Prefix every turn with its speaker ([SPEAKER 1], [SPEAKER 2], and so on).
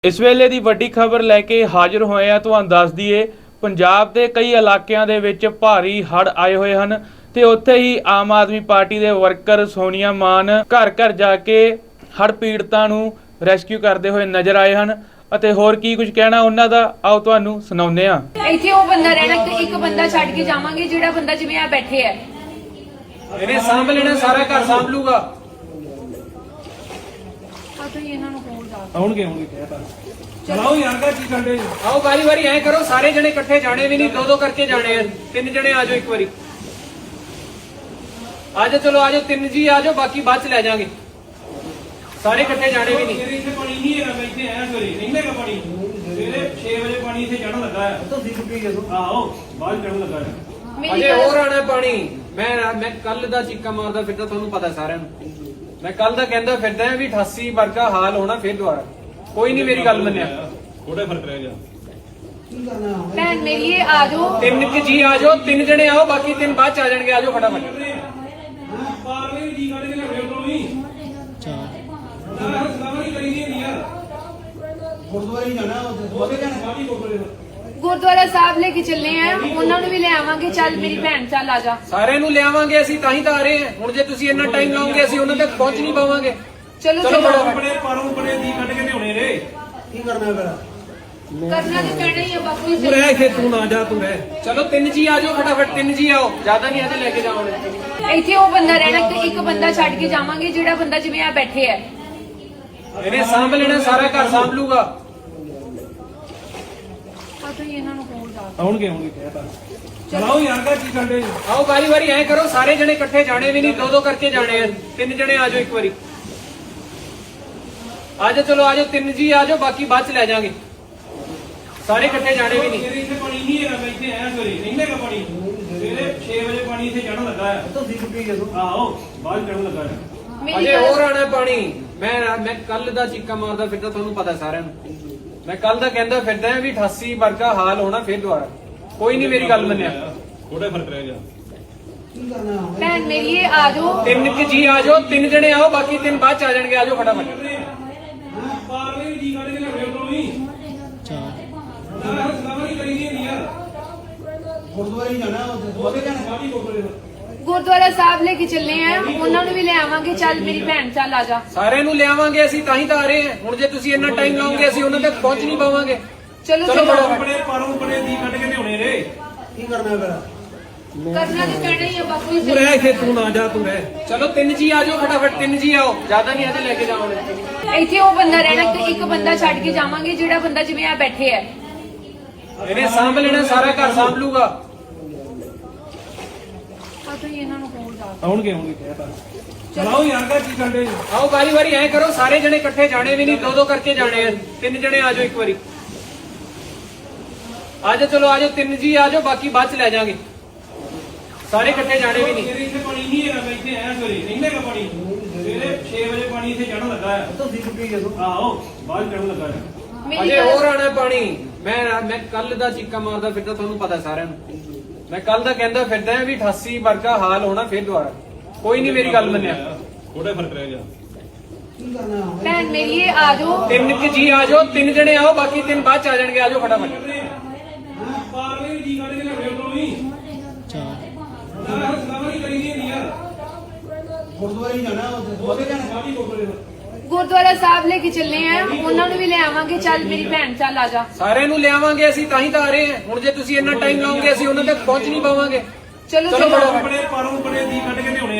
[SPEAKER 1] ਇਸ ਵੇਲੇ ਦੀ ਵੱਡੀ ਖਬਰ ਲੈ ਕੇ ਹਾਜ਼ਰ ਹੋਏ ਆ। ਤੁਹਾਨੂੰ ਦੱਸ ਦਈਏ, ਪੰਜਾਬ ਦੇ ਕਈ ਇਲਾਕਿਆਂ ਦੇ ਵਿੱਚ ਭਾਰੀ ਹੜ੍ਹ ਆਏ ਹੋਏ ਹਨ ਤੇ ਉੱਥੇ ਹੀ ਆਮ ਆਦਮੀ ਪਾਰਟੀ ਦੇ ਵਰਕਰ ਸੋਨੀਆ ਮਾਨ ਘਰ ਘਰ ਜਾ ਕੇ ਹੜ੍ਹ ਪੀੜਤਾਂ ਨੂੰ ਰੈਸਕਿਊ ਕਰਦੇ ਹੋਏ ਨਜ਼ਰ ਆਏ ਹਨ ਅਤੇ ਹੋਰ ਕੀ ਕੁਝ ਕਹਿਣਾ ਉਹਨਾਂ ਦਾ ਆਓ ਤੁਹਾਨੂੰ ਸੁਣਾਉਂਦੇ ਆ।
[SPEAKER 2] ਇੱਥੇ ਉਹ ਬੰਦਾ ਰਹਿਣਾ ਤੇ ਇੱਕ ਬੰਦਾ ਛੱਡ ਕੇ ਜਾਵਾਂਗੇ ਜਿਹੜਾ ਬੰਦਾ ਜਿਵੇਂ ਆ ਬੈਠੇ ਹੈ
[SPEAKER 3] ਇਹਨੇ ਸਾਂਭ ਲੈਣਾ, ਸਾਰਾ ਘਰ ਸਾਂਭ ਲੂਗਾ।
[SPEAKER 2] ਆ ਤੁਸੀਂ ਇਹਨਾਂ ਨੂੰ ਕੋਲ ਜਾ
[SPEAKER 3] ਆਉਣਗੇ ਕਹਿਤਾ ਚਲਾਓ ਯਾਰ ਦਾ ਕੀ ਕਰਦੇ ਆਓ ਵਾਰੀ ਵਾਰੀ ਐ ਕਰੋ, ਸਾਰੇ ਜਣੇ ਇਕੱਠੇ ਜਾਣੇ ਵੀ ਨਹੀਂ, ਦੋ ਦੋ ਕਰਕੇ ਜਾਣੇ ਆ। ਤਿੰਨ ਜਣੇ ਆ ਜਾਓ ਇੱਕ ਵਾਰੀ, ਆ ਜਾਓ। ਚਲੋ ਆ ਜਾਓ, ਤਿੰਨ ਜੀ ਆ ਜਾਓ, ਬਾਕੀ ਬਾਅਦ ਚ ਲੈ ਜਾਾਂਗੇ। ਸਾਰੇ ਇਕੱਠੇ ਜਾਣੇ ਵੀ ਨਹੀਂ।
[SPEAKER 4] ਇੱਥੇ ਪਾਣੀ ਨਹੀਂ ਹੈਗਾ, ਮੈਂ ਇੱਥੇ ਆਇਆ ਸਵੇਰੇ ਨਹੀਂ ਹੈਗਾ ਪਾਣੀ। ਸਵੇਰੇ 6 ਵਜੇ ਪਾਣੀ ਇੱਥੇ ਚੜਨ ਲੱਗਾ ਹੈ। ਤੁਸੀਂ ਟੁੱਟੀ ਜਦੋਂ ਆਓ ਬਾਹਰ ਚੜਨ ਲੱਗਾ ਹੈ।
[SPEAKER 3] ਅਜੇ ਹੋਰ ਆਣਾ ਪਾਣੀ। ਮੈਂ ਕੱਲ ਦਾ ਚੀਕਾ ਮਾਰਦਾ ਫਿਰਦਾ, ਤੁਹਾਨੂੰ ਪਤਾ ਸਾਰਿਆਂ ਨੂੰ। ਮੈਂ ਕੱਲ ਦਾ ਕਹਿੰਦਾ ਫਿਰਦਾ ਵੀ 88 ਵਰਗਾ ਹਾਲ ਹੋਣਾ ਫਿਰ ਦੁਬਾਰਾ। ਕੋਈ ਨਹੀਂ ਮੇਰੀ ਗੱਲ ਮੰਨਿਆ।
[SPEAKER 4] ਥੋੜਾ ਫਰਕ ਰਹਿ ਗਿਆ।
[SPEAKER 2] ਭੈਣ ਮੇਰੀ ਇਹ ਆ ਜਾਓ।
[SPEAKER 3] ਤਿੰਨ ਕਿ ਜੀ ਆ ਜਾਓ, ਤਿੰਨ ਜਣੇ ਆਓ, ਬਾਕੀ ਤਿੰਨ ਬਾਅਦ ਚ ਆ ਜਾਣਗੇ। ਆ ਜਾਓ ਫਟਾਫਟ।
[SPEAKER 4] ਪਾਰਲੇ ਜੀ ਕੱਢ ਕੇ ਲਿਆਓ ਕੋਲ ਵੀ। ਸਲਾਮੀ ਕਰੀ ਨਹੀਂ ਯਾਰ। ਗੁਰਦੁਆਰੇ ਹੀ ਜਾਣਾ, ਉਹਦੇ ਜਾਣਾ ਸਾਡੀ ਗੁਰਦੁਆਰੇ।
[SPEAKER 2] ਗੁਰਦੁਆਰਾ ਸਾਹਿਬ ਲੈ ਕੇ ਚੱਲੇ ਆ, ਉਹਨਾਂ ਨੂੰ ਵੀ ਲੈ ਆਵਾਂਗੇ। ਚੱਲ ਮੇਰੀ ਭੈਣ ਚੱਲ ਆ ਜਾ।
[SPEAKER 3] ਸਾਰਿਆਂ ਨੂੰ ਲਿਆਵਾਂਗੇ ਅਸੀਂ, ਤਾਂ ਹੀ ਤਾਂ ਆ ਰਹੇ ਹਾਂ। ਹੁਣ ਜੇ ਤੁਸੀਂ ਇੰਨਾ ਟਾਈਮ ਲਾਓਗੇ ਅਸੀਂ ਉਹਨਾਂ ਤੱਕ ਪਹੁੰਚ ਨਹੀਂ ਪਾਵਾਂਗੇ।
[SPEAKER 2] ਚਲੋ
[SPEAKER 3] ਚਲੋ
[SPEAKER 2] ਚਲੋ
[SPEAKER 4] ਆਪਣੇ ਪਰੋਂ ਬੜੇ ਦੀ ਕੱਢ ਕੇ ਲਿਆਉਣੇ ਰੇ। ਕੀ ਕਰਨਾ ਫਿਰ?
[SPEAKER 2] ਕਰਨਾ ਤੇ ਪੈਣਾ ਹੀ ਆ ਬਾਪੂ ਜੀ।
[SPEAKER 4] ਤੂੰ ਰਹਿ ਇੱਥੇ, ਤੂੰ ਨਾ ਜਾ, ਤੂੰ ਰਹਿ।
[SPEAKER 3] ਚਲੋ ਤਿੰਨ ਜੀ ਆ ਜਾਓ ਫਟਾਫਟ, ਤਿੰਨ ਜੀ ਆਓ। ਜ਼ਿਆਦਾ ਨਹੀਂ ਅਜੇ ਲੈ ਕੇ ਜਾਵਾਂਗੇ।
[SPEAKER 2] ਇੱਥੇ ਉਹ ਬੰਦਾ ਰਹਿਣਾ ਤੇ ਇੱਕ ਬੰਦਾ ਛੱਡ ਕੇ ਜਾਵਾਂਗੇ ਜਿਹੜਾ ਬੰਦਾ ਜਿਵੇਂ ਆ ਬੈਠੇ ਹੈ
[SPEAKER 3] ਇਹਨੇ ਸਾਂਭ ਲੈਣਾ, ਸਾਰਾ ਘਰ ਸਾਂਭ ਲੂਗਾ।
[SPEAKER 2] ਆ ਤੁਸੀਂ ਇਹਨਾਂ ਨੂੰ ਕੋਲ ਜਾ
[SPEAKER 4] ਆਉਣਗੇ ਕਹਿਤਾ ਚਲਾਓ ਯਾਰ ਦਾ ਕੀ ਕਰਦੇ
[SPEAKER 3] ਆਓ ਵਾਰੀ ਵਾਰੀ ਐ ਕਰੋ, ਸਾਰੇ ਜਣੇ ਇਕੱਠੇ ਜਾਣੇ ਵੀ ਨਹੀਂ, ਦੋ ਦੋ ਕਰਕੇ ਜਾਣੇ ਆ। ਤਿੰਨ ਜਣੇ ਆ ਜਾਓ ਇੱਕ ਵਾਰੀ, ਆ ਜਾਓ। ਚਲੋ ਆ ਜਾਓ, ਤਿੰਨ ਜੀ ਆ ਜਾਓ, ਬਾਕੀ ਬਾਅਦ ਚ ਲੈ ਜਾਾਂਗੇ। ਸਾਰੇ ਇਕੱਠੇ ਜਾਣੇ ਵੀ ਨਹੀਂ।
[SPEAKER 4] ਇੱਥੇ ਪਾਣੀ ਨਹੀਂ ਹੈਗਾ, ਮੈਂ ਇੱਥੇ ਆਇਆ ਸਵੇਰੇ ਨਹੀਂ ਹੈਗਾ ਪਾਣੀ। ਸਵੇਰੇ 6 ਵਜੇ ਪਾਣੀ ਇੱਥੇ ਚੜਨ ਲੱਗਾ ਹੈ। ਤੁਸੀਂ ਟੁੱਟੀ ਜਦੋਂ ਆਓ ਬਾਹਰ ਚੜਨ ਲੱਗਾ ਹੈ।
[SPEAKER 3] ਅਜੇ ਹੋਰ ਆਣਾ ਪਾਣੀ। ਮੈਂ ਕੱਲ ਦਾ ਚੀਕਾ ਮਾਰਦਾ ਫਿਰਦਾ, ਤੁਹਾਨੂੰ ਪਤਾ ਸਾਰਿਆਂ ਨੂੰ। ਮੈਂ ਕੱਲ ਦਾ ਕਹਿੰਦਾ ਫਿਰਦਾ ਵੀ 88 ਵਰਗਾ ਹਾਲ ਹੋਣਾ ਫਿਰ ਦੁਬਾਰਾ। ਕੋਈ ਨਹੀਂ ਮੇਰੀ ਗੱਲ ਮੰਨਿਆ।
[SPEAKER 4] ਥੋੜਾ ਫਰਕ ਰਹਿ ਗਿਆ।
[SPEAKER 2] ਭੈਣ ਮੇਰੀ ਇਹ ਆ ਜਾਓ।
[SPEAKER 3] ਤਿੰਨ ਕਿ ਜੀ ਆ ਜਾਓ, ਤਿੰਨ ਜਣੇ ਆਓ, ਬਾਕੀ ਤਿੰਨ ਬਾਅਦ ਚ ਆ ਜਾਣਗੇ। ਆ ਜਾਓ ਫਟਾਫਟ।
[SPEAKER 4] ਪਾਰਲੇ ਜੀ ਕੱਢ ਕੇ ਲਿਆਓ ਕੋਲ ਵੀ। ਸਲਾਮੀ ਕਰੀ ਨਹੀਂ ਯਾਰ। ਗੁਰਦੁਆਰੇ ਹੀ ਜਾਣਾ, ਉਹਦੇ ਜਾਣਾ ਸਾਡੀ ਗੁਰਦੁਆਰੇ।
[SPEAKER 2] ਗੁਰਦੁਆਰਾ ਸਾਹਿਬ ਲੈ ਕੇ ਚੱਲੇ ਆ, ਉਹਨਾਂ ਨੂੰ ਵੀ ਲੈ ਆਵਾਂਗੇ। ਚੱਲ ਮੇਰੀ ਭੈਣ ਚੱਲ ਆ ਜਾ।
[SPEAKER 3] ਸਾਰਿਆਂ ਨੂੰ ਲਿਆਵਾਂਗੇ ਅਸੀਂ, ਤਾਂ ਹੀ ਤਾਂ ਆ ਰਹੇ ਹਾਂ। ਹੁਣ ਜੇ ਤੁਸੀਂ ਇੰਨਾ ਟਾਈਮ ਲਾਓਗੇ ਅਸੀਂ ਉਹਨਾਂ ਤੱਕ ਪਹੁੰਚ ਨਹੀਂ ਪਾਵਾਂਗੇ।
[SPEAKER 2] ਚਲੋ
[SPEAKER 3] ਚਲੋ
[SPEAKER 2] ਚਲੋ
[SPEAKER 4] ਆਪਣੇ ਪਰੋਂ ਬੜੇ ਦੀ ਕੱਢ ਕੇ ਲਿਆਉਣੇ ਰੇ। ਕੀ ਕਰਨਾ ਫਿਰ?
[SPEAKER 2] ਕਰਨਾ ਤੇ ਪੈਣਾ ਹੀ ਆ ਬਾਪੂ ਜੀ।
[SPEAKER 4] ਤੂੰ ਰਹਿ ਇੱਥੇ, ਤੂੰ ਨਾ ਜਾ, ਤੂੰ ਰਹਿ।
[SPEAKER 3] ਚਲੋ ਤਿੰਨ ਜੀ ਆ ਜਾਓ ਫਟਾਫਟ, ਤਿੰਨ ਜੀ ਆਓ। ਜ਼ਿਆਦਾ ਨਹੀਂ ਅਜੇ ਲੈ ਕੇ ਜਾਵਾਂਗੇ।
[SPEAKER 2] ਇੱਥੇ ਉਹ ਬੰਦਾ ਰਹਿਣਾ ਤੇ ਇੱਕ ਬੰਦਾ ਛੱਡ ਕੇ ਜਾਵਾਂਗੇ ਜਿਹੜਾ ਬੰਦਾ ਜਿਵੇਂ ਆ ਬੈਠੇ ਹੈ
[SPEAKER 3] ਇਹਨੇ ਸਾਂਭ ਲੈਣਾ, ਸਾਰਾ ਘਰ ਸਾਂਭ ਲੂਗਾ।
[SPEAKER 2] ਆ ਤੁਸੀਂ ਇਹਨਾਂ ਨੂੰ ਕੋਲ ਜਾ
[SPEAKER 4] ਆਉਣਗੇ ਕਹਿਤਾ ਚਲਾਓ ਯਾਰ ਦਾ ਕੀ ਕਰਦੇ
[SPEAKER 3] ਆਓ ਵਾਰੀ ਵਾਰੀ ਐ ਕਰੋ, ਸਾਰੇ ਜਣੇ ਇਕੱਠੇ ਜਾਣੇ ਵੀ ਨਹੀਂ, ਦੋ ਦੋ ਕਰਕੇ ਜਾਣੇ ਆ। ਤਿੰਨ ਜਣੇ ਆ ਜਾਓ ਇੱਕ ਵਾਰੀ, ਆ ਜਾਓ। ਚਲੋ ਆ ਜਾਓ, ਤਿੰਨ ਜੀ ਆ ਜਾਓ, ਬਾਕੀ ਬਾਅਦ ਚ ਲੈ ਜਾਾਂਗੇ। ਸਾਰੇ ਇਕੱਠੇ ਜਾਣੇ ਵੀ ਨਹੀਂ।
[SPEAKER 4] ਇੱਥੇ ਪਾਣੀ ਨਹੀਂ ਹੈਗਾ, ਮੈਂ ਇੱਥੇ ਆਇਆ ਸਵੇਰੇ ਨਹੀਂ ਹੈਗਾ ਪਾਣੀ। ਸਵੇਰੇ 6 ਵਜੇ ਪਾਣੀ ਇੱਥੇ ਚੜਨ ਲੱਗਾ ਹੈ। ਤੁਸੀਂ ਟੁੱਟੀ ਜਦੋਂ ਆਓ ਬਾਹਰ ਚੜਨ ਲੱਗਾ ਹੈ।
[SPEAKER 3] ਅਜੇ ਹੋਰ ਆਣਾ ਪਾਣੀ। ਮੈਂ ਕੱਲ ਦਾ ਚੀਕਾ ਮਾਰਦਾ ਫਿਰਦਾ, ਤੁਹਾਨੂੰ ਪਤਾ ਸਾਰਿਆਂ ਨੂੰ। ਮੈਂ ਕੱਲ ਦਾ ਕਹਿੰਦਾ ਫਿਰਦਾ ਵੀ 88 ਵਰਗਾ ਹਾਲ ਹੋਣਾ ਫਿਰ ਦੁਬਾਰਾ। ਕੋਈ ਨਹੀਂ ਮੇਰੀ ਗੱਲ ਮੰਨਿਆ।
[SPEAKER 4] ਥੋੜਾ ਫਰਕ ਰਹਿ ਗਿਆ।
[SPEAKER 2] ਭੈਣ ਮੇਰੀ ਇਹ ਆ ਜਾਓ।
[SPEAKER 3] ਤਿੰਨ ਕਿ ਜੀ ਆ ਜਾਓ, ਤਿੰਨ ਜਣੇ ਆਓ, ਬਾਕੀ ਤਿੰਨ ਬਾਅਦ ਚ ਆ ਜਾਣਗੇ। ਆ ਜਾਓ ਫਟਾਫਟ।
[SPEAKER 4] ਪਾਰਲੇ ਜੀ ਕੱਢ ਕੇ ਲਿਆਓ ਕੋਲ ਵੀ। ਸਲਾਮੀ ਕਰੀ ਨਹੀਂ ਯਾਰ। ਗੁਰਦੁਆਰੇ ਹੀ ਜਾਣਾ, ਉਹਦੇ ਜਾਣਾ ਸਾਡੀ ਗੁਰਦੁਆਰੇ।
[SPEAKER 2] ਗੁਰਦੁਆਰਾ ਸਾਹਿਬ ਲੈ ਕੇ ਚੱਲੇ ਆ, ਉਹਨਾਂ ਨੂੰ ਵੀ ਲੈ ਆਵਾਂਗੇ। ਚੱਲ ਮੇਰੀ ਭੈਣ ਚੱਲ ਆ ਜਾ।
[SPEAKER 3] ਸਾਰਿਆਂ ਨੂੰ ਲਿਆਵਾਂਗੇ ਅਸੀਂ, ਤਾਂ ਹੀ ਤਾਂ ਆ ਰਹੇ ਹਾਂ। ਹੁਣ ਜੇ ਤੁਸੀਂ ਇੰਨਾ ਟਾਈਮ ਲਾਓਗੇ ਅਸੀਂ ਉਹਨਾਂ ਤੱਕ ਪਹੁੰਚ ਨਹੀਂ ਪਾਵਾਂਗੇ।
[SPEAKER 2] ਚਲੋ
[SPEAKER 3] ਚਲੋ
[SPEAKER 2] ਚਲੋ
[SPEAKER 3] ਫਟਾਫਟ।
[SPEAKER 4] ਆਪਣੇ ਪਰੋਂ ਬੜੇ ਦੀ ਕੱਢ ਕੇ ਲਿਆਉਣੇ।